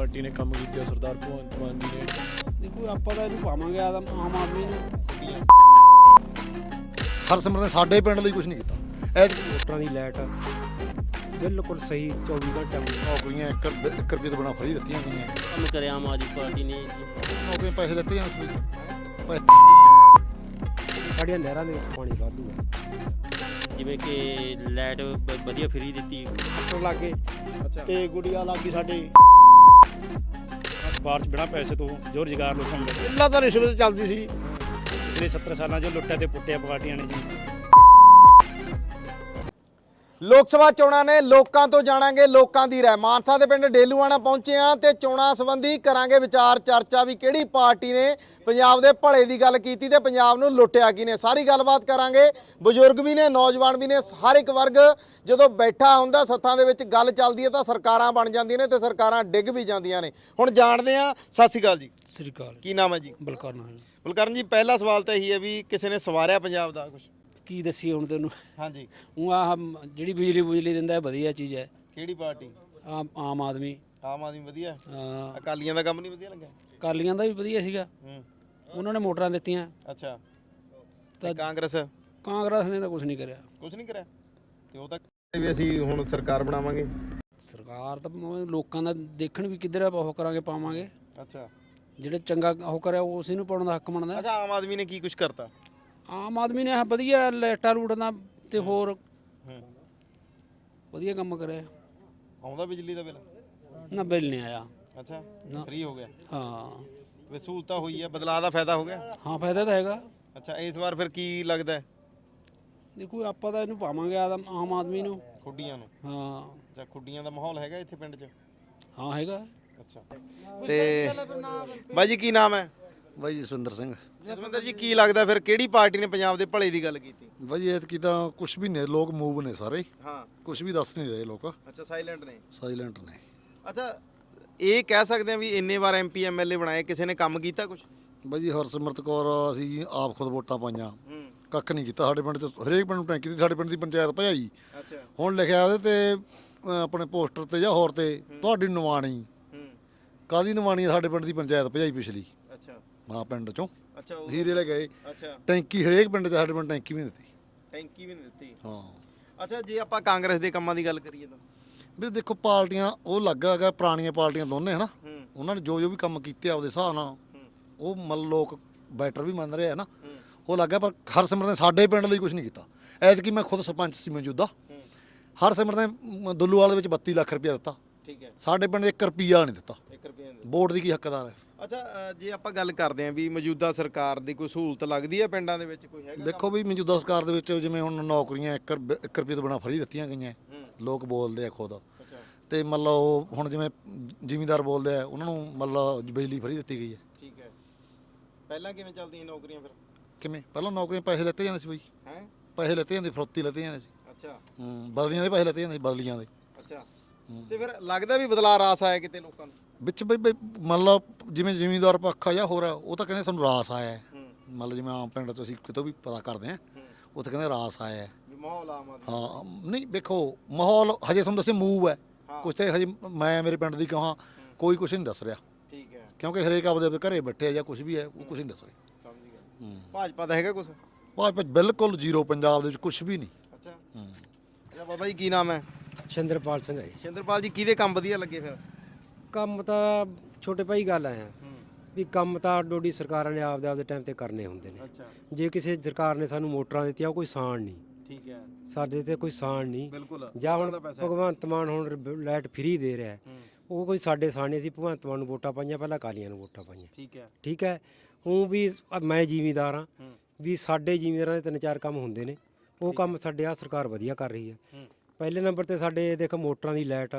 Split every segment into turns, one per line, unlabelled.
Party ਨੇ ਕੰਮ ਕੀਤੇ ਸਰਦਾਰ ਭਗਵੰਤ ਮਾਨ ਜੀ ਨੇ।
ਦੇਖੋ ਆਪਾਂ ਤਾਂ ਇਹਨੂੰ ਪਾਵਾਂਗੇ ਆਮ ਆਦਮੀ ਨੂੰ।
ਹਰਸਿਮਰਤ ਨੇ ਸਾਡੇ ਪਿੰਡ ਲਈ ਕੁਝ ਨਹੀਂ ਕੀਤਾ।
ਵੋਟਰਾਂ ਦੀ ਲਾਈਟ ਬਿਲਕੁਲ ਸਹੀ 24 ਘੰਟੇ
ਨੌਕਰੀਆਂ 1 ਰੁਪਏ ਤੋਂ ਬਿਨਾਂ ਫਰੀ ਦਿੱਤੀਆਂ ਗਈਆਂ।
ਕੰਮ ਕਰਿਆ ਆਮ ਆਦਮੀ ਪਾਰਟੀ ਨੇ ਜੀ।
ਨੌਕਰੀਆਂ ਪੈਸੇ ਦਿੱਤੇ ਜਾਣ
ਸਾਡੀਆਂ ਨਹਿਰਾਂ ਦੇ ਵਿੱਚ ਪਾਣੀ ਵਾਧੂ ਹੈ।
ਜਿਵੇਂ ਕਿ ਲਾਈਟ ਵਧੀਆ ਫਰੀ ਦਿੱਤੀ।
ਲਾਗੇ ਤੇ ਗੁੜੀਆ ਲਾਗੀ ਸਾਡੇ
ਬਾਰਿਸ਼ ਬਿਨਾਂ ਪੈਸੇ ਤੋਂ ਜੋ ਰੁਜ਼ਗਾਰ ਲੋਕਾਂ ਨੂੰ ਮਿਲਦਾ।
ਪਹਿਲਾਂ ਤਾਂ ਰਿਸ਼ਵਤ ਚੱਲਦੀ ਸੀ।
ਪਿਛਲੇ 70 ਸਾਲਾਂ 'ਚ ਲੁੱਟਿਆ ਤੇ ਪੁੱਟਿਆ ਪਾਰਟੀਆਂ ਨੇ ਜੀ।
ਲੋਕ ਸਭਾ ਚੋਣਾਂ ਨੇ, ਲੋਕਾਂ ਤੋਂ ਜਾਣਾਂਗੇ ਲੋਕਾਂ ਦੀ ਰਾਏ। ਮਾਨਸਾ ਦੇ ਪਿੰਡ ਡੇਲੂਆਣਾ ਪਹੁੰਚੇ ਆ ਤੇ ਚੋਣਾਂ ਸੰਬੰਧੀ ਕਰਾਂਗੇ ਵਿਚਾਰ ਚਰਚਾ ਵੀ ਕਿਹੜੀ ਪਾਰਟੀ ਨੇ ਪੰਜਾਬ ਦੇ ਭਲੇ ਦੀ ਗੱਲ ਕੀਤੀ ਤੇ ਪੰਜਾਬ ਨੂੰ ਲੁੱਟਿਆ ਕਿਨੇ। ਸਾਰੀ ਗੱਲਬਾਤ ਕਰਾਂਗੇ। ਬਜ਼ੁਰਗ ਵੀ ਨੇ, ਨੌਜਵਾਨ ਵੀ ਨੇ, ਹਰ ਇੱਕ ਵਰਗ ਜਦੋਂ ਬੈਠਾ ਹੁੰਦਾ ਸੱਥਾਂ ਦੇ ਵਿੱਚ ਗੱਲ ਚੱਲਦੀ ਹੈ ਤਾਂ ਸਰਕਾਰਾਂ ਬਣ ਜਾਂਦੀਆਂ ਨੇ ਤੇ ਸਰਕਾਰਾਂ ਡਿੱਗ ਵੀ ਜਾਂਦੀਆਂ ਨੇ। ਹੁਣ ਜਾਣਦੇ ਆ। ਸਤਿ ਸ਼੍ਰੀ ਅਕਾਲ ਜੀ।
ਸਤਿ ਸ੍ਰੀ ਅਕਾਲ।
ਕੀ ਨਾਮ ਹੈ ਜੀ? ਬਲਕਰਨ ਜੀ, ਪਹਿਲਾ ਸਵਾਲ ਤਾਂ ਇਹੀ ਹੈ ਵੀ ਕਿਸੇ ਨੇ ਸਵਾਰਿਆ ਪੰਜਾਬ ਦਾ ਕੁਝ?
ਕੀ ਦੱਸੀਏ ਹੁਣ ਤੈਨੂੰ।
ਹਾਂਜੀ।
ਉਹ ਆਹ ਜਿਹੜੀ ਬਿਜਲੀ ਦਿੰਦਾ ਹੈ ਵਧੀਆ ਚੀਜ਼ ਹੈ।
ਕਿਹੜੀ ਪਾਰਟੀ?
ਆਮ ਆਦਮੀ।
ਆਮ ਆਦਮੀ ਵਧੀਆ।
ਹਾਂ,
ਅਕਾਲੀਆਂ ਦਾ ਕੰਮ ਨਹੀਂ ਵਧੀਆ ਲੱਗਿਆ?
ਅਕਾਲੀਆਂ ਦਾ ਵੀ ਵਧੀਆ ਸੀਗਾ। ਉਹਨਾਂ ਨੇ ਮੋਟਰਾਂ ਦਿੱਤੀਆਂ।
ਅੱਛਾ।
ਤਾਂ
ਕਾਂਗਰਸ
ਨੇ ਤਾਂ ਕੁਝ ਨਹੀਂ ਕਰਿਆ।
ਕੁਝ ਨਹੀਂ ਕਰਿਆ ਤੇ ਉਹ ਤਾਂ ਵੀ ਅਸੀਂ ਹੁਣ ਸਰਕਾਰ ਬਣਾਵਾਂਗੇ।
ਸਰਕਾਰ ਤਾਂ ਲੋਕਾਂ ਦਾ ਦੇਖਣ ਵੀ ਕਿੱਧਰ ਉਹ ਕਰਾਂਗੇ, ਪਾਵਾਂਗੇ।
ਅੱਛਾ।
ਜਿਹੜੇ ਚੰਗਾ ਉਹ ਕਰਿਆ ਉਸੇ ਨੂੰ ਪਾਉਣ ਦਾ ਹੱਕ ਬਣਦਾ।
ਅੱਛਾ, ਆਮ ਆਦਮੀ ਨੇ ਕੀ ਕੁਝ ਕਰਤਾ?
ਆਮ ਆਦਮੀ ਨੇ ਵਧੀਆ ਲਾਈਟਾਂ ਲੂਟਾਂ ਤੇ ਹੋਰ ਵਧੀਆ ਕੰਮ ਕਰਿਆ।
ਆਉਂਦਾ ਬਿਜਲੀ ਦਾ ਬਿੱਲ?
ਨਾ ਬਿੱਲ ਨਹੀਂ ਆਇਆ।
ਅੱਛਾ,
ਨਾ।
ਫ੍ਰੀ ਹੋ ਗਿਆ।
ਹਾਂ,
ਵੀ ਸਹੂਲਤਾਂ ਹੋਈ ਹੈ, ਬਦਲਾਅ ਦਾ ਫਾਇਦਾ ਹੋ ਗਿਆ।
ਹਾਂ ਫਾਇਦਾ ਤਾਂ ਹੈਗਾ।
ਅੱਛਾ, ਇਸ ਵਾਰ ਫਿਰ ਕੀ ਲੱਗਦਾ ਹੈ?
ਦੇਖੋ ਆਪਾਂ ਤਾਂ ਇਹਨੂੰ ਪਾਵਾਂਗੇ ਆਮ ਆਦਮੀ ਨੂੰ।
ਖੁੱਡੀਆਂ ਨੂੰ?
ਹਾਂ।
ਅੱਛਾ, ਖੁੱਡੀਆਂ ਦਾ ਮਾਹੌਲ ਹੈਗਾ ਇੱਥੇ ਪਿੰਡ 'ਚ?
ਹਾਂ ਹੈਗਾ।
ਅੱਛਾ। ਤੇ ਬਾਈ ਜੀ ਕੀ ਨਾਮ ਹੈ?
ਬਾਈ ਜਸਵਿੰਦਰ ਸਿੰਘ।
ਜਸਵਿੰਦਰ ਜੀ, ਕੀ ਲੱਗਦਾ ਫਿਰ ਕਿਹੜੀ ਪਾਰਟੀ ਨੇ ਪੰਜਾਬ ਦੇ ਭਲੇ ਦੀ ਗੱਲ ਕੀਤੀ?
ਬਾਈ ਐਤਕੀ ਤਾਂ ਕੁਝ ਵੀ ਨਹੀਂ, ਲੋਕ ਮੂਵ ਨੇ ਸਾਰੇ।
ਹਾਂ।
ਕੁਝ ਵੀ ਦੱਸ ਨਹੀਂ ਰਹੇ ਲੋਕ।
ਅੱਛਾ, ਸਾਇਲੈਂਟ ਨੇ।
ਸਾਇਲੈਂਟ ਨੇ।
ਅੱਛਾ, ਇਹ ਕਹਿ ਸਕਦੇ ਆ ਵੀ ਇੰਨੇ ਵਾਰ ਐਮਪੀ ਐਮਐਲਏ ਬਣਾਏ, ਕਿਸੇ ਨੇ ਕੰਮ ਕੀਤਾ ਕੁਝ?
ਬਾਈ ਜੀ ਹਰਸਿਮਰਤ ਕੌਰ ਅਸੀਂ ਆਪ ਖੁਦ ਵੋਟਾਂ ਪਾਈਆਂ, ਕੱਖ ਨਹੀਂ ਕੀਤਾ। ਸਾਡੇ ਪਿੰਡ 'ਚ ਹਰੇਕ ਪਿੰਡ ਨੂੰ ਟੈਂਕੀ ਦੀ, ਸਾਡੇ ਪਿੰਡ ਦੀ ਪੰਚਾਇਤ ਭਜਾਈ।
ਅੱਛਾ।
ਹੁਣ ਲਿਖਿਆ ਉਹਦੇ ਤੇ ਆਪਣੇ ਪੋਸਟਰ ਤੇ ਜਾਂ ਹੋਰ ਤੇ ਤੁਹਾਡੀ ਨਿਵਾਣੀ। ਕਾਹਦੀ ਨਿਵਾਣੀ? ਸਾਡੇ ਪਿੰਡ ਦੀ ਪੰਚਾਇਤ ਭਜਾਈ ਪਿਛਲੀ।
ਅੱਛਾ।
ਹਾਂ, ਪਿੰਡ 'ਚੋਂ
ਅੱਛਾ,
ਹੀਰੇ ਲੈ ਗਏ।
ਅੱਛਾ।
ਟੈਂਕੀ ਹਰੇਕ ਪਿੰਡ 'ਚ, ਸਾਡੇ ਪਿੰਡ ਟੈਂਕੀ ਵੀ ਨਹੀਂ ਦਿੱਤੀ।
ਟੈਂਕੀ ਵੀ ਨਹੀਂ ਦਿੱਤੀ?
ਹਾਂ।
ਅੱਛਾ, ਜੇ ਆਪਾਂ ਕਾਂਗਰਸ ਦੇ ਕੰਮਾਂ ਦੀ ਗੱਲ ਕਰੀਏ ਤਾਂ?
ਵੀਰ ਦੇਖੋ, ਪਾਰਟੀਆਂ ਉਹ ਲੱਗਾ ਹੈਗਾ, ਪੁਰਾਣੀਆਂ ਪਾਰਟੀਆਂ ਦੋਨੇ ਹੈ ਨਾ, ਉਹਨਾਂ ਨੇ ਜੋ ਵੀ ਕੰਮ ਕੀਤੇ ਆਪਦੇ ਹਿਸਾਬ ਨਾਲ ਉਹ ਮਤਲਬ ਲੋਕ ਬੈਟਰ ਵੀ ਮੰਨ ਰਹੇ ਆ ਨਾ, ਉਹ ਲੱਗਾ। ਪਰ ਹਰਸਿਮਰਤ ਨੇ ਸਾਡੇ ਪਿੰਡ ਲਈ ਕੁਝ ਨਹੀਂ ਕੀਤਾ। ਐਤਕੀ ਮੈਂ ਖੁਦ ਸਰਪੰਚ ਸੀ ਮੌਜੂਦਾ। ਹਰਸਿਮਰਤ ਨੇ ਦੁੱਲੂਵਾਲ ਦੇ ਵਿੱਚ 32 ਲੱਖ ਰੁਪਇਆ ਦਿੱਤਾ।
ਠੀਕ ਹੈ।
ਸਾਡੇ ਪਿੰਡ 1 ਰੁਪਈਆ ਨਹੀਂ ਦਿੱਤਾ।
1 ਰੁਪਏ
ਵੋਟ ਦੀ ਕੀ ਹੱਕਦਾਰ ਹੈ?
ਅੱਛਾ, ਜੇ ਆਪਾਂ ਗੱਲ ਕਰਦੇ ਆਂ ਵੀ ਮੌਜੂਦਾ ਸਰਕਾਰ ਦੀ ਕੋਈ ਸਹੂਲਤ ਲੱਗਦੀ ਹੈ ਪਿੰਡਾਂ ਦੇ ਵਿੱਚ, ਕੋਈ ਹੈਗਾ?
ਦੇਖੋ ਵੀ ਮੌਜੂਦਾ ਸਰਕਾਰ ਦੇ ਵਿੱਚ ਜਿਵੇਂ ਹੁਣ ਨੌਕਰੀਆਂ 1 ਰੁਪਏ ਤੋਂ ਬਿਨਾਂ ਫਰੀ ਦਿੱਤੀਆਂ ਗਈਆਂ। ਲੋਕ ਬੋਲਦੇ ਆ ਖੁਦ। ਤੇ ਮਤਲਬ ਉਹ ਹੁਣ ਜਿਵੇਂ ਜ਼ਿਮੀਂਦਾਰ ਬੋਲਦੇ ਆ, ਉਹਨਾਂ ਨੂੰ ਮਤਲਬ ਬਿਜਲੀ ਫਰੀ ਦਿੱਤੀ ਗਈ ਹੈ।
ਠੀਕ ਹੈ। ਪਹਿਲਾਂ ਕਿਵੇਂ ਚੱਲਦੀਆਂ ਨੌਕਰੀਆਂ ਫਿਰ?
ਕਿਵੇਂ? ਪਹਿਲਾਂ ਨੌਕਰੀਆਂ ਪੈਸੇ ਲੈਤੇ ਜਾਂਦੇ ਸੀ ਬਾਈ।
ਹੈ? ਪੈਸੇ
ਲੈਤੇ ਜਾਂਦੇ, ਫਰੋਤੀ ਲੈਤੇ ਜਾਂਦੇ ਸੀ।
ਅੱਛਾ।
ਬਦਲੀਆਂ ਦੇ ਪੈਸੇ ਲੈਤੇ ਜਾਂਦੇ ਸੀ, ਬਦਲੀਆਂ ਦੇ।
ਅੱਛਾ। ਤੇ ਫਿਰ ਲੱਗਦਾ ਵੀ ਬਦਲਾਅ ਰਾਸ ਆਇਆ ਕਿਤੇ ਲੋਕਾਂ ਨੂੰ
ਵਿੱਚ ਬਈ ਮਤਲਬ ਜਿਵੇਂ ਜ਼ਿਮੀਂਦਾਰ ਪੱਖਾ ਜਾਂ ਹੋਰ ਆ, ਉਹ ਤਾਂ ਕਹਿੰਦੇ ਸਾਨੂੰ ਰਾਸ ਆਇਆ ਹੈ। ਮਤਲਬ ਜਿਵੇਂ ਆਮ ਪਿੰਡ ਤੋਂ ਅਸੀਂ ਕਿਤੋਂ ਵੀ ਪਤਾ ਕਰਦੇ ਹਾਂ, ਉੱਥੇ ਕਹਿੰਦੇ ਰਾਸ ਆਇਆ ਹੈ।
ਮਾਹੌਲ ਆਮ ਆਦਮੀ?
ਹਾਂ। ਨਹੀਂ ਵੇਖੋ, ਮਾਹੌਲ ਹਜੇ ਤੁਹਾਨੂੰ ਦੱਸੇ ਮੂਵ ਹੈ ਕੁਛ ਤੇ ਹਜੇ ਮੈਂ ਮੇਰੇ ਪਿੰਡ ਦੀ ਕਹਾਂ ਕੋਈ ਕੁਛ ਨਹੀਂ ਦੱਸ ਰਿਹਾ।
ਠੀਕ ਹੈ।
ਕਿਉਂਕਿ ਹਰੇਕ ਆਪਦੇ ਘਰੇ ਬੈਠੇ ਆ ਜਾਂ ਕੁਛ ਵੀ ਹੈ, ਉਹ ਕੁਛ ਨਹੀਂ ਦੱਸ ਰਹੇ।
ਸਮਝ ਗਿਆ। ਭਾਜਪਾ ਦਾ ਹੈਗਾ ਕੁਛ?
ਭਾਜਪਾ ਬਿਲਕੁਲ ਜ਼ੀਰੋ, ਪੰਜਾਬ ਦੇ ਵਿੱਚ ਕੁਛ ਵੀ ਨਹੀਂ।
ਅੱਛਾ। ਅੱਛਾ ਬਾਬਾ ਜੀ, ਕੀ ਨਾਮ ਹੈ?
ਸ਼ਿੰਦਰਪਾਲ ਸਿੰਘ ਹੈ ਜੀ।
ਸ਼ਿੰਦਰਪਾਲ ਜੀ, ਕਿਹਦੇ ਕੰਮ ਵਧੀਆ ਲੱਗੇ ਫਿਰ?
ਕੰਮ ਤਾਂ ਛੋਟੇ ਭਾਈ ਗੱਲ ਆਇਆ ਵੀ ਕੰਮ ਤਾਂ ਡੋਡੀ ਸਰਕਾਰਾਂ ਨੇ ਆਪਦੇ ਟਾਈਮ ਤੇ ਕਰਨੇ ਹੁੰਦੇ ਨੇ।
ਅੱਛਾ।
ਜੇ ਕਿਸੇ ਸਰਕਾਰ ਨੇ ਸਾਨੂੰ ਮੋਟਰਾਂ ਦਿੱਤੀਆਂ, ਉਹ ਕੋਈ ਸਾਣ ਨਹੀਂ।
ਠੀਕ ਹੈ।
ਸਾਡੇ ਤੇ ਕੋਈ ਸਾਣ ਨਹੀਂ।
ਬਿਲਕੁਲ।
ਜਾਂ ਹੁਣ ਭਗਵੰਤ ਮਾਨ ਹੁਣ ਲਾਈਟ ਫ੍ਰੀ ਦੇ ਰਿਹਾ, ਉਹ ਕੋਈ ਸਾਡੇ ਸਾਣ ਨਹੀਂ। ਅਸੀਂ ਭਗਵੰਤ ਮਾਨ ਨੂੰ ਵੋਟਾਂ ਪਾਈਆਂ, ਪਹਿਲਾਂ ਅਕਾਲੀਆਂ ਨੂੰ ਵੋਟਾਂ ਪਾਈਆਂ।
ਠੀਕ ਹੈ।
ਠੀਕ ਹੈ। ਉਹ ਵੀ ਮੈਂ ਜ਼ਿਮੀਂਦਾਰ ਹਾਂ, ਵੀ ਸਾਡੇ ਜ਼ਿਮੀਂਦਾਰਾਂ ਦੇ 3-4 ਕੰਮ ਹੁੰਦੇ ਨੇ, ਉਹ ਕੰਮ ਸਾਡੇ ਆ ਸਰਕਾਰ ਵਧੀਆ ਕਰ ਰਹੀ ਹੈ। ਪਹਿਲੇ ਨੰਬਰ ਤੇ ਸਾਡੇ ਦੇਖ ਮੋਟਰਾਂ ਦੀ ਲਾਈਟ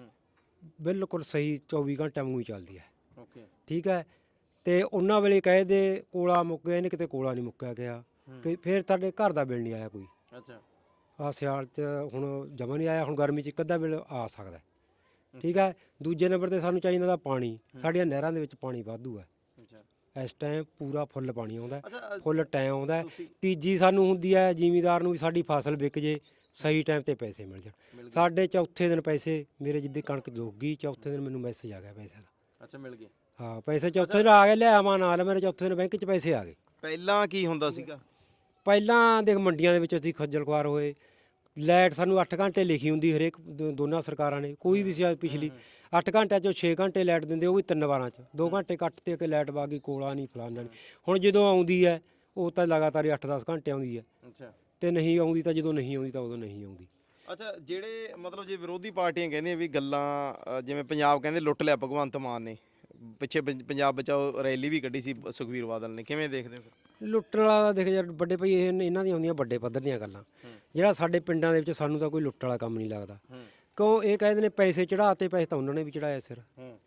ਬਿਲਕੁਲ ਸਹੀ 24 ਘੰਟੇ ਵਾਂਗੂ ਹੀ ਚੱਲਦੀ ਹੈ।
ਓਕੇ।
ਠੀਕ ਹੈ। ਤੇ ਉਹਨਾਂ ਵੇਲੇ ਕਹੇ ਦੇ ਕੋਲਾ ਮੁੱਕ ਗਿਆ, ਇਹਨੇ ਕਿਤੇ ਕੋਲਾ ਨਹੀਂ ਮੁੱਕਿਆ ਗਿਆ ਕਿ ਫਿਰ ਸਾਡੇ ਘਰ ਦਾ ਬਿੱਲ ਨਹੀਂ ਆਇਆ ਕੋਈ।
ਅੱਛਾ।
ਆ ਸਿਆਲ 'ਚ ਹੁਣ ਜਮਾ ਨਹੀਂ ਆਇਆ, ਹੁਣ ਗਰਮੀ 'ਚ ਇੱਕ ਅੱਧਾ ਬਿੱਲ ਆ ਸਕਦਾ। ਠੀਕ ਹੈ। ਦੂਜੇ ਨੰਬਰ ਤੇ ਸਾਨੂੰ ਚਾਹੀਦਾ ਦਾ ਪਾਣੀ। ਸਾਡੀਆਂ ਨਹਿਰਾਂ ਦੇ ਵਿੱਚ ਪਾਣੀ ਵਾਧੂ ਹੈ। ਇਸ ਟਾਈਮ ਪੂਰਾ ਫੁੱਲ ਪਾਣੀ ਆਉਂਦਾ, ਫੁੱਲ ਟਾਈਮ ਆਉਂਦਾ। ਤੀਜੀ ਸਾਨੂੰ ਹੁੰਦੀ ਹੈ ਜ਼ਿਮੀਂਦਾਰ ਨੂੰ ਵੀ ਸਾਡੀ ਫਸਲ ਵਿਕ ਜੇ, ਸਹੀ ਟਾਈਮ ਤੇ ਪੈਸੇ ਮਿਲ ਜਾਣ। ਸਾਡੇ ਚੌਥੇ ਦਿਨ ਪੈਸੇ, ਮੇਰੇ ਜਿੱਦੀ ਕਣਕ ਜੋਗੀ ਚੌਥੇ ਦਿਨ ਮੈਨੂੰ ਮੈਸੇਜ ਆ ਗਿਆ ਪੈਸੇ ਦਾ।
ਅੱਛਾ ਮਿਲ ਗਏ।
ਹਾਂ ਪੈਸੇ ਚੌਥੇ ਦਿਨ ਆ ਗਏ, ਲਿਆ ਮਾ ਨਾਲ ਮੇਰੇ ਚੌਥੇ ਦਿਨ ਬੈਂਕ 'ਚ ਪੈਸੇ ਆ ਗਏ।
ਪਹਿਲਾਂ ਕੀ ਹੁੰਦਾ ਸੀਗਾ?
ਪਹਿਲਾਂ ਦੇਖ ਮੰਡੀਆਂ ਦੇ ਵਿੱਚ ਅਸੀਂ ਖੱਜਲ ਖੁਆਰ ਹੋਏ, ਲਾਈਟ ਸਾਨੂੰ 8 ਘੰਟੇ ਲਿਖੀ ਹੁੰਦੀ ਹਰੇਕ ਦੋਨਾਂ ਸਰਕਾਰਾਂ ਨੇ, ਕੋਈ ਵੀ ਸੀ ਪਿਛਲੀ 8 ਘੰਟਿਆਂ 'ਚੋਂ 6 ਘੰਟੇ ਲਾਈਟ ਦਿੰਦੇ, ਉਹ ਵੀ 3 ਵਾਰਾਂ 'ਚ 2 ਘੰਟੇ ਕੱਟ ਤੇ ਕਿ ਲਾਈਟ ਬਾਗੀ ਕੋਲਾ ਨਹੀਂ ਫਲਾਨਾ ਨਹੀਂ। ਹੁਣ ਜਦੋਂ ਆਉਂਦੀ ਹੈ ਉਹ ਤਾਂ ਲਗਾਤਾਰ ਹੀ 8-10 ਘੰਟੇ ਆਉਂਦੀ ਹੈ,
ਅੱਛਾ
ਤੇ ਨਹੀਂ ਆਉਂਦੀ ਤਾਂ ਜਦੋਂ ਨਹੀਂ ਆਉਂਦੀ ਤਾਂ ਉਦੋਂ ਨਹੀਂ ਆਉਂਦੀ।
ਅੱਛਾ ਜਿਹੜੇ ਮਤਲਬ ਜੇ ਵਿਰੋਧੀ ਪਾਰਟੀਆਂ ਕਹਿੰਦੀਆਂ ਵੀ ਗੱਲਾਂ ਜਿਵੇਂ ਪੰਜਾਬ ਕਹਿੰਦੇ ਲੁੱਟ ਲਿਆ ਭਗਵੰਤ ਮਾਨ ਨੇ, ਪਿੱਛੇ ਪੰਜਾਬ ਬਚਾਓ ਰੈਲੀ ਵੀ ਕੱਢੀ ਸੀ ਸੁਖਬੀਰ ਬਾਦਲ ਨੇ, ਕਿਵੇਂ ਦੇਖਦੇ ਹੋ ਫਿਰ?
ਲੁੱਟਣ ਵਾਲਾ ਦੇਖ ਯਾਰ ਵੱਡੇ ਭਾਈ ਇਹਨਾਂ ਦੀਆਂ ਆਉਂਦੀਆਂ ਵੱਡੇ ਪੱਧਰ ਦੀਆਂ ਗੱਲਾਂ, ਜਿਹੜਾ ਸਾਡੇ ਪਿੰਡਾਂ ਦੇ ਵਿੱਚ ਸਾਨੂੰ ਤਾਂ ਕੋਈ ਲੁੱਟ ਵਾਲਾ ਕੰਮ ਨਹੀਂ ਲੱਗਦਾ। ਕਿਉਂ ਇਹ ਕਹਿੰਦੇ ਨੇ ਪੈਸੇ ਚੜਾਤੇ, ਪੈਸੇ ਤਾਂ ਉਹਨਾਂ ਨੇ ਵੀ ਚੜਾਇਆ ਸਿਰ।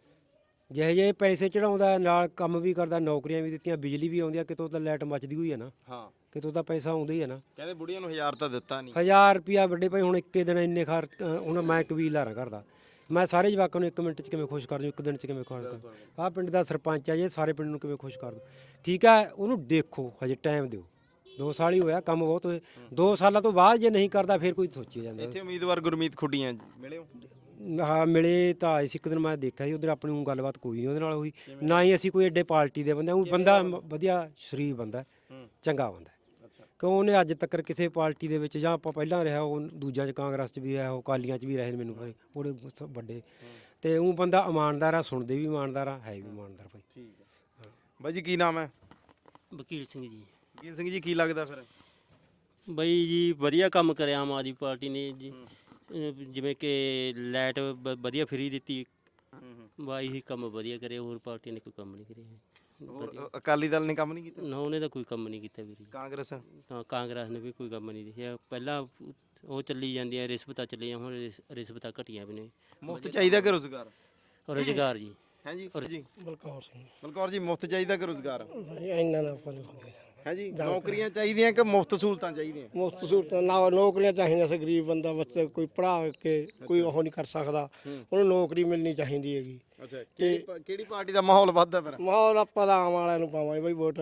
ਜਿਹੇ ਜਿਹੇ ਪੈਸੇ ਚੜਾਉਂਦਾ ਨਾਲ ਕੰਮ ਵੀ ਕਰਦਾ, ਨੌਕਰੀਆਂ ਵੀ ਦਿੱਤੀਆਂ, ਬਿਜਲੀ ਵੀ ਆਉਂਦੀ ਆ, ਕਿਤੋਂ ਤਾਂ ਲਾਈਟ ਮੱਚਦੀ ਹੋਈ ਹੈ ਨਾ,
ਹਾਂ
ਕਿਤੋਂ ਤਾਂ ਪੈਸਾ ਆਉਂਦਾ ਹੀ ਹੈ ਨਾ।
ਕਹਿੰਦੇ ਬੁੜੀਆਂ ਨੂੰ 1000 ਤਾਂ ਦਿੱਤਾ ਨਹੀਂ।
1000 ਰੁਪਿਆ ਵੱਡੇ ਭਾਈ ਹੁਣ ਇੱਕੇ ਦਿਨ ਇੰਨੇ ਹੁਣ ਮੈਂ ਕਬੀਲਦਾਰਾਂ ਕਰਦਾ, ਮੈਂ ਸਾਰੇ ਜਵਾਕਾਂ ਨੂੰ 1 ਮਿੰਟ 'ਚ ਕਿਵੇਂ ਖੁਸ਼ ਕਰ ਦੂੰ, 1 ਦਿਨ 'ਚ ਕਿਵੇਂ ਖੁਸ਼ ਕਰ ਦੂੰ। ਆਹ ਪਿੰਡ ਦਾ ਸਰਪੰਚ ਆ ਜੇ, ਸਾਰੇ ਪਿੰਡ ਨੂੰ ਕਿਵੇਂ ਖੁਸ਼ ਕਰ ਦੂੰ। ਠੀਕ ਹੈ ਉਹਨੂੰ ਦੇਖੋ, ਹਜੇ ਟਾਈਮ ਦਿਓ, 2 ਸਾਲ ਹੀ ਹੋਇਆ, ਕੰਮ ਬਹੁਤ ਹੋਏ। 2 ਸਾਲਾਂ ਤੋਂ ਬਾਅਦ ਜੇ ਨਹੀਂ ਕਰਦਾ ਫਿਰ ਕੋਈ ਸੋਚੀ ਜਾਂਦਾ।
ਇੱਥੇ ਉਮੀਦਵਾਰ ਗੁਰਮੀਤ ਖੁੱਡੀਆਂ ਮਿਲੇ ਹੋ?
ਹਾਂ ਮਿਲੇ ਤਾਂ ਆਏ ਸੀ, ਇੱਕ ਦਿਨ ਮੈਂ ਦੇਖਿਆ ਸੀ, ਉਧਰ ਆਪਣੀ ਗੱਲਬਾਤ ਕੋਈ ਨਹੀਂ ਉਹਦੇ ਨਾਲ ਹੋਈ, ਨਾ ਹੀ ਅਸੀਂ ਕੋਈ ਐਡੇ ਪਾਰਟੀ ਦੇ ਬੰਦੇ। ਉਹ ਬੰਦਾ ਵਧੀਆ ਸ਼ਰੀਫ ਬੰਦਾ, ਚੰਗਾ ਬੰਦਾ। ਕਿਉਂ ਉਹਨੇ ਅੱਜ ਤੱਕ ਕਿਸੇ ਪਾਰਟੀ ਦੇ ਵਿੱਚ, ਜਾਂ ਆਪਾਂ ਪਹਿਲਾਂ ਰਿਹਾ ਉਹ ਦੂਜਿਆਂ 'ਚ ਕਾਂਗਰਸ 'ਚ ਵੀ ਰਿਹਾ, ਉਹ ਅਕਾਲੀਆਂ 'ਚ ਵੀ ਰਹੇ ਨੇ, ਮੈਨੂੰ ਉਹਦੇ ਵੱਡੇ, ਤੇ ਉਹ ਬੰਦਾ ਇਮਾਨਦਾਰ ਆ, ਸੁਣਦੇ ਵੀ ਇਮਾਨਦਾਰ ਆ, ਹੈ ਵੀ ਇਮਾਨਦਾਰ ਭਾਈ।
ਠੀਕ ਹੈ ਬਾਈ ਜੀ, ਕੀ ਨਾਮ ਹੈ?
ਵਕੀਲ ਸਿੰਘ ਜੀ।
ਵਕੀਲ ਸਿੰਘ ਜੀ, ਕੀ ਲੱਗਦਾ ਫਿਰ?
ਬਈ ਜੀ ਵਧੀਆ ਕੰਮ ਕਰਿਆ ਆਮ ਆਦਮੀ ਪਾਰਟੀ ਨੇ ਜੀ, ਜਿਵੇਂ ਕਿ ਲਾਈਟ ਵਧੀਆ ਫਰੀ ਦਿੱਤੀ, ਬਾਈ ਹੀ ਕੰਮ ਵਧੀਆ ਕਰਿਆ, ਹੋਰ ਪਾਰਟੀ ਨੇ ਕੋਈ ਕੰਮ ਨਹੀਂ ਕਰਿਆ।
ਹੋਰ ਅਕਾਲੀ ਦਲ ਨੇ ਕੰਮ ਨਹੀਂ ਕੀਤਾ?
ਨਾ ਉਹਨੇ ਤਾਂ ਕੋਈ ਕੰਮ ਨਹੀਂ ਕੀਤਾ ਵੀਰੇ।
ਕਾਂਗਰਸ?
ਹਾਂ ਕਾਂਗਰਸ ਨੇ ਵੀ ਕੋਈ ਕੰਮ ਨਹੀਂ ਦੇਖਿਆ। ਪਹਿਲਾਂ ਉਹ ਚੱਲੀ ਜਾਂਦੀਆਂ ਰਿਸ਼ਵਤਾਂ ਚੱਲੀਆਂ, ਹੁਣ ਰਿਸ਼ਵਤਾਂ ਘਟੀਆਂ ਵੀ ਨੇ।
ਮੁਫਤ ਚਾਹੀਦਾ ਕਿ ਰੁਜ਼ਗਾਰ?
ਰੁਜ਼ਗਾਰ ਜੀ।
ਹੈ ਜੀ ਜੀ
ਬਲਕੌਰ ਸਿੰਘ
ਬਲਕੌਰ ਜੀ, ਮੁਫਤ ਚਾਹੀਦਾ ਕਿ ਰੁਜ਼ਗਾਰ?
ਇੰਨਾ ਦਾ ਫਰਕ ਹੋ ਗਿਆ।
ਹੈ ਜੀ, ਨੌਕਰੀਆਂ ਚਾਹੀਦੀਆਂ ਕਿ ਮੁਫਤ ਸਹੂਲਤਾਂ ਚਾਹੀਦੀਆਂ?
ਮੁਫਤ ਸਹੂਲਤਾਂ ਨਾ, ਨੌਕਰੀਆਂ ਚਾਹੀਦੀਆਂ ਸੀ। ਗਰੀਬ ਬੰਦਾ ਬੱਚੇ ਕੋਈ ਪੜ੍ਹਾ ਕੇ ਕੋਈ ਉਹ ਨਹੀਂ ਕਰ ਸਕਦਾ, ਉਹਨੂੰ ਨੌਕਰੀ ਮਿਲਣੀ ਚਾਹੀਦੀ ਹੈਗੀ।
ਅੱਛਾ, ਕਿਹੜੀ ਪਾਰਟੀ ਦਾ ਮਾਹੌਲ ਵੱਧਦਾ ਫਿਰ?
ਮਾਹੌਲ ਆਪਾਂ ਤਾਂ ਆਮ ਵਾਲਿਆਂ ਨੂੰ ਪਾਵਾਂਗੇ ਬਈ ਵੋਟ।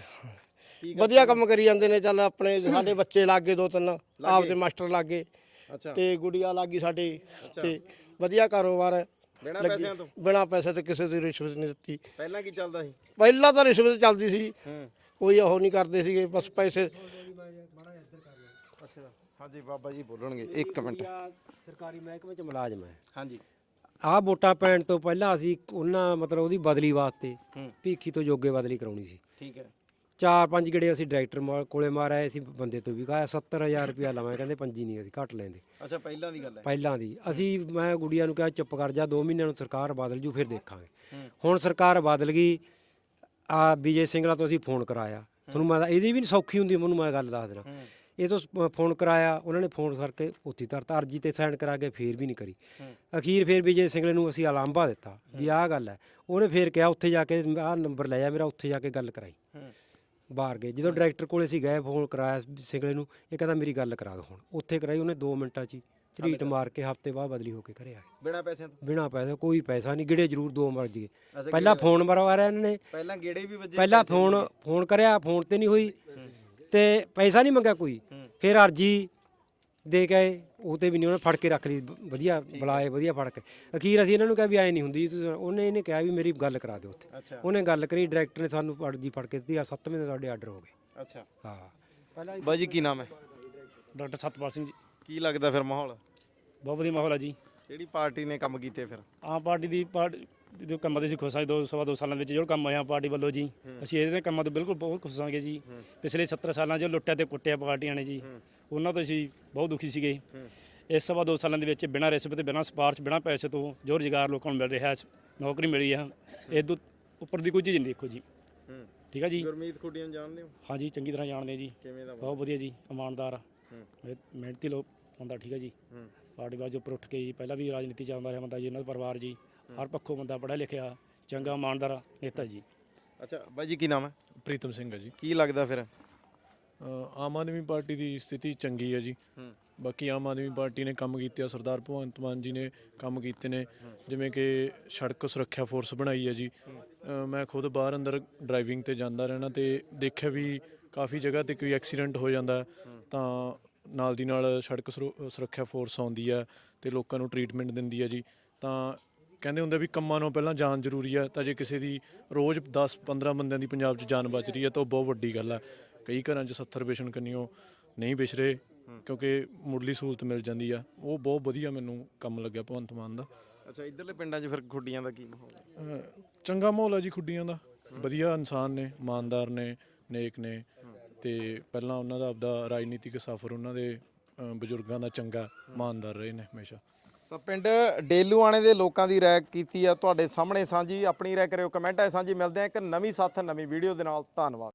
ਵਧੀਆ ਕੰਮ ਕਰੀ ਜਾਂਦੇ ਨੇ, ਚੱਲ ਆਪਣੇ ਸਾਡੇ ਬੱਚੇ ਲੱਗੇ 2-3 ਆਪਦੇ ਮਾਸਟਰ ਲੱਗੇ,
ਅੱਛਾ,
ਤੇ ਗੁੜੀਆ ਲੱਗੀ ਸਾਡੇ, ਤੇ ਵਧੀਆ ਕਾਰੋਬਾਰ ਹੈ।
ਬਿਨਾਂ ਪੈਸਿਆਂ ਤੋਂ?
ਬਿਨਾਂ ਪੈਸੇ ਤੇ ਕਿਸੇ ਦੀ ਰਿਸ਼ਵਤ ਨਹੀਂ ਦਿੱਤੀ।
ਪਹਿਲਾਂ ਕੀ ਚੱਲਦਾ ਸੀ?
ਪਹਿਲਾਂ ਤਾਂ ਰਿਸ਼ਵਤ ਚੱਲਦੀ ਸੀ, ਕੋਈ ਉਹ ਨਹੀਂ ਕਰਦੇ ਸੀਗੇ, ਬਸ ਪੈਸੇ।
ਅੱਛਾ ਹਾਂਜੀ, ਬਾਬਾ ਜੀ ਬੋਲਣਗੇ, 1 ਮਿੰਟ।
ਸਰਕਾਰੀ ਮਹਿਕਮੇ 'ਚ ਮੁਲਾਜ਼ਮ ਹੈ।
ਹਾਂਜੀ।
ਆਹ ਵੋਟਾਂ ਪੈਣ ਤੋਂ ਪਹਿਲਾਂ ਅਸੀਂ ਉਹਨਾਂ ਮਤਲਬ ਉਹਦੀ ਬਦਲੀ ਵਾਸਤੇ ਭੀਖੀ ਤੋਂ ਜੋਗੇ ਬਦਲੀ ਕਰਾਉਣੀ ਸੀ।
ਠੀਕ ਹੈ।
4-5 ਗੇੜੇ ਅਸੀਂ ਡਾਇਰੈਕਟਰ ਕੋਲੇ ਮਾਰਿਆ ਸੀ, ਬੰਦੇ ਤੋਂ ਵੀ ਕਹਾਇਆ 70,000 ਰੁਪਇਆ ਲਵਾਂ, ਕਹਿੰਦੇ 5 ਨਹੀਂ ਅਸੀਂ ਘੱਟ ਲੈਂਦੇ।
ਅੱਛਾ, ਪਹਿਲਾਂ ਦੀ ਗੱਲ ਹੈ?
ਪਹਿਲਾਂ ਦੀ। ਮੈਂ ਗੁੜੀਆ ਨੂੰ ਕਿਹਾ ਚੁੱਪ ਕਰ ਜਾ, 2 ਮਹੀਨਿਆਂ ਨੂੰ ਸਰਕਾਰ ਬਦਲ ਜੂ ਫਿਰ ਦੇਖਾਂਗੇ। ਹੁਣ ਸਰਕਾਰ ਬਦਲ ਗਈ, ਆ ਵਿਜੇ ਸਿੰਗਲਾ ਤੋਂ ਅਸੀਂ ਫੋਨ ਕਰਾਇਆ, ਤੁਹਾਨੂੰ ਮੈਂ ਇਹਦੀ ਵੀ ਨਹੀਂ ਸੌਖੀ ਹੁੰਦੀ, ਮੈਨੂੰ ਮੈਂ ਗੱਲ ਦੱਸ ਦੇਣਾ। ਇਹ ਤੋਂ ਫੋਨ ਕਰਾਇਆ, ਉਹਨਾਂ ਨੇ ਫੋਨ ਕਰਕੇ ਉੱਥੇ ਧਰਤਾ, ਅਰਜੀ ਤੇ ਸਾਈਨ ਕਰਾ ਕੇ ਫੇਰ ਵੀ ਨਹੀਂ ਕਰੀ। ਅਖੀਰ ਫੇਰ ਵਿਜੇ ਸਿੰਗਲੇ ਨੂੰ ਅਸੀਂ ਅਲਾਂਭਾ ਦਿੱਤਾ ਵੀ ਆਹ ਗੱਲ ਹੈ। ਉਹਨੇ ਫੇਰ ਕਿਹਾ ਉੱਥੇ ਜਾ ਕੇ ਆਹ ਨੰਬਰ ਲੈ ਜਾ ਮੇਰਾ, ਉੱਥੇ ਜਾ ਕੇ ਗੱਲ ਕਰਾਈ। ਬਾਹਰ ਗਏ, ਜਦੋਂ ਡਾਇਰੈਕਟਰ ਕੋਲੇ ਅਸੀਂ ਗਏ, ਫੋਨ ਕਰਾਇਆ ਸਿੰਗਲੇ ਨੂੰ, ਇਹ ਕਹਿੰਦਾ ਮੇਰੀ ਗੱਲ ਕਰਾ ਦਿਓ। ਹੁਣ ਉੱਥੇ ਕਰਾਈ ਉਹਨੇ 2 ਮਿੰਟਾਂ 'ਚ ਹੀ, ਝਰੀਟ ਮਾਰ ਕੇ ਹਫ਼ਤੇ ਬਾਅਦ ਬਦਲੀ ਹੋ ਕੇ ਘਰੇ ਆ ਗਏ।
ਬਿਨਾਂ ਪੈਸਿਆਂ ਤੋਂ?
ਬਿਨਾਂ ਪੈਸੇ, ਕੋਈ ਪੈਸਾ ਨਹੀਂ, ਗਿੜੇ ਜ਼ਰੂਰ 2 ਮਰ ਗਏ। ਪਹਿਲਾਂ ਫੋਨ ਮਰਵਾ ਰਿਹਾ ਇਹਨਾਂ ਨੇ,
ਪਹਿਲਾਂ ਗੇੜੇ ਵੀ ਵੱਜੇ?
ਪਹਿਲਾਂ ਫੋਨ ਕਰਿਆ, ਫੋਨ ਤੇ ਨਹੀਂ ਹੋਈ, ਤੇ ਪੈਸਾ ਨਹੀਂ ਮੰਗਿਆ ਕੋਈ। ਫਿਰ ਅਰਜੀ ਦੇ ਕੇ ਉਹ ਤੇ ਵੀ ਨਹੀਂ, ਉਹਨੇ ਫੜ ਕੇ ਰੱਖ ਲਈ, ਵਧੀਆ ਬੁਲਾਏ, ਵਧੀਆ ਫੜ ਕੇ। ਅਖੀਰ ਅਸੀਂ ਇਹਨਾਂ ਨੂੰ ਕਿਹਾ ਵੀ ਐਂ ਨਹੀਂ ਹੁੰਦੀ, ਇਹਨੇ ਕਿਹਾ ਵੀ ਮੇਰੀ ਗੱਲ ਕਰਾ ਦਿਓ ਉੱਥੇ। ਉਹਨੇ ਗੱਲ ਕਰੀ, ਡਾਇਰੈਕਟਰ ਨੇ ਸਾਨੂੰ ਅਰਜੀ ਫੜ ਕੇ ਦਿੱਤੀ, 7ਵੇਂ ਦਿਨ ਸਾਡੇ ਆਰਡਰ ਹੋ ਗਏ।
ਅੱਛਾ
ਹਾਂ। ਪਹਿਲਾਂ
ਬਾਈ ਜੀ, ਕੀ ਨਾਮ ਹੈ?
ਡਾਕਟਰ ਸਤਪਾਲ ਸਿੰਘ ਜੀ।
ਕੀ ਲੱਗਦਾ ਫਿਰ ਮਾਹੌਲ?
ਬਹੁਤ ਵਧੀਆ ਮਾਹੌਲ ਹੈ ਜੀ।
ਕਿਹੜੀ ਪਾਰਟੀ ਨੇ ਕੰਮ ਕੀਤੇ ਫਿਰ?
ਆਮ ਪਾਰਟੀ ਦੀ ਜੋ ਕੰਮਾਂ ਦੇ ਅਸੀਂ ਖੁਸ਼ ਹਾਂ। 2 ਸਾਲਾਂ ਵਿੱਚ ਜੋ ਕੰਮ ਹੋਇਆ ਪਾਰਟੀ ਵੱਲੋਂ ਜੀ, ਅਸੀਂ ਇਹਦੇ ਕੰਮਾਂ ਤੋਂ ਬਿਲਕੁਲ ਬਹੁਤ ਖੁਸ਼ ਹਾਂਗੇ ਜੀ। ਪਿਛਲੇ 70 ਸਾਲਾਂ 'ਚ ਲੁੱਟਿਆ ਤੇ ਕੁੱਟਿਆ ਪਾਰਟੀਆਂ ਨੇ ਜੀ, ਉਹਨਾਂ ਤੋਂ ਅਸੀਂ ਬਹੁਤ ਦੁਖੀ ਸੀਗੇ। ਇਸ 2 ਸਾਲਾਂ ਦੇ ਵਿੱਚ ਬਿਨਾਂ ਰਿਸ਼ਵਤ, ਬਿਨਾਂ ਸਿਫਾਰਿਸ਼, ਬਿਨਾਂ ਪੈਸੇ ਤੋਂ ਜੋ ਰੁਜ਼ਗਾਰ ਲੋਕਾਂ ਨੂੰ ਮਿਲ ਰਿਹਾ, ਨੌਕਰੀ ਮਿਲੀ ਆ, ਇਹ ਤੋਂ ਉੱਪਰ ਦੀ ਕੋਈ ਚੀਜ਼ ਨਹੀਂ ਦੇਖੋ ਜੀ। ਠੀਕ ਹੈ ਜੀ।
ਗੁਰਮੀਤ ਖੁੱਡੀਆਂ ਜਾਣਦੇ ਹੋ?
ਹਾਂਜੀ, ਚੰਗੀ ਤਰ੍ਹਾਂ ਜਾਣਦੇ ਜੀ।
ਕਿਵੇਂ ਦਾ?
ਬਹੁਤ ਵਧੀਆ ਜੀ, ਇਮਾਨਦਾਰ, ਮਿਹਨਤੀ ਲੋਕ ਹੁੰਦਾ। ਠੀਕ ਹੈ ਜੀ। ਪਾਰਟੀ ਬਾਅਦ ਉੱਪਰ ਉੱਠ ਕੇ ਜੀ, ਪਹਿਲਾਂ ਵੀ ਰਾਜਨੀਤੀ 'ਚ ਆਉਂਦਾ ਰਿਹਾ ਬੰਦਾ ਜੀ, ਇਹਨਾਂ ਦਾ ਪਰਿਵਾਰ ਜੀ ਹਰ ਪੱਖੋਂ ਬੰਦਾ ਪੜ੍ਹਿਆ ਲਿਖਿਆ, ਚੰਗਾ ਇਮਾਨਦਾਰ ਨੇਤਾ ਜੀ।
ਅੱਛਾ ਬਾਈ ਜੀ, ਕੀ ਨਾਮ ਹੈ?
ਪ੍ਰੀਤਮ ਸਿੰਘ ਹੈ ਜੀ।
ਕੀ ਲੱਗਦਾ ਫਿਰ?
ਆਮ ਆਦਮੀ ਪਾਰਟੀ ਦੀ ਸਥਿਤੀ ਚੰਗੀ ਹੈ ਜੀ। ਬਾਕੀ ਆਮ ਆਦਮੀ ਪਾਰਟੀ ਨੇ ਕੰਮ ਕੀਤੇ ਆ, ਸਰਦਾਰ ਭਗਵੰਤ ਮਾਨ ਜੀ ਨੇ ਕੰਮ ਕੀਤੇ ਨੇ, ਜਿਵੇਂ ਕਿ ਸੜਕ ਸੁਰੱਖਿਆ ਫੋਰਸ ਬਣਾਈ ਹੈ ਜੀ। ਮੈਂ ਖੁਦ ਬਾਹਰ ਅੰਦਰ ਡਰਾਈਵਿੰਗ ਤੇ ਜਾਂਦਾ ਰਹਿਣਾ, ਤੇ ਦੇਖਿਆ ਵੀ ਕਾਫੀ ਜਗ੍ਹਾ ਤੇ ਕੋਈ ਐਕਸੀਡੈਂਟ ਹੋ ਜਾਂਦਾ ਤਾਂ ਨਾਲ ਦੀ ਨਾਲ ਸੜਕ ਸੁਰੱਖਿਆ ਫੋਰਸ ਆਉਂਦੀ ਹੈ ਤੇ ਲੋਕਾਂ ਨੂੰ ਟਰੀਟਮੈਂਟ ਦਿੰਦੀ ਹੈ ਜੀ। ਤਾਂ ਕਹਿੰਦੇ ਹੁੰਦੇ ਵੀ ਕੰਮਾਂ ਨੂੰ ਪਹਿਲਾਂ ਜਾਨ ਜ਼ਰੂਰੀ ਆ, ਤਾਂ ਜੇ ਕਿਸੇ ਦੀ ਰੋਜ਼ 10-15 ਬੰਦਿਆਂ ਦੀ ਪੰਜਾਬ 'ਚ ਜਾਨ ਬਚ ਰਹੀ ਹੈ ਤਾਂ ਉਹ ਬਹੁਤ ਵੱਡੀ ਗੱਲ ਆ। ਕਈ ਘਰਾਂ 'ਚ 70 ਪੇਸ਼ੈਂਟ ਕੰਨੀਓ ਨਹੀਂ ਵਿਛ ਰਹੇ ਕਿਉਂਕਿ ਮੁੱਢਲੀ ਸਹੂਲਤ ਮਿਲ ਜਾਂਦੀ ਆ। ਉਹ ਬਹੁਤ ਵਧੀਆ ਮੈਨੂੰ ਕੰਮ ਲੱਗਿਆ ਭਗਵੰਤ ਮਾਨ ਦਾ।
ਅੱਛਾ, ਇਧਰਲੇ ਪਿੰਡਾਂ 'ਚ ਫਿਰ ਖੁੱਡੀਆਂ ਦਾ ਕੀ ਮਾਹੌਲ ਹੈ?
ਚੰਗਾ ਮਾਹੌਲ ਆ ਜੀ ਖੁੱਡੀਆਂ ਦਾ, ਵਧੀਆ ਇਨਸਾਨ ਨੇ, ਇਮਾਨਦਾਰ ਨੇ, ਨੇਕ ਨੇ, ਤੇ ਪਹਿਲਾਂ ਉਹਨਾਂ ਦਾ ਆਪਦਾ ਰਾਜਨੀਤਿਕ ਸਫ਼ਰ ਉਹਨਾਂ ਦੇ ਬਜ਼ੁਰਗਾਂ ਦਾ ਚੰਗਾ, ਇਮਾਨਦਾਰ ਰਹੇ ਨੇ ਹਮੇਸ਼ਾ।
ਤਾਂ ਪਿੰਡ ਡੇਲੂਆਣੇ ਦੇ ਲੋਕਾਂ ਦੀ ਰਾਏ ਕੀਤੀ ਆ ਤੁਹਾਡੇ ਸਾਹਮਣੇ ਸਾਂਝੀ। ਆਪਣੀ ਰਾਏ ਕਰਿਓ ਕਮੈਂਟਾਂ 'ਚ ਸਾਂਝੀ। ਮਿਲਦੇ ਆ ਇੱਕ ਨਵੀਂ ਸਾਥ ਨਵੀਂ ਵੀਡੀਓ ਦੇ ਨਾਲ। ਧੰਨਵਾਦ।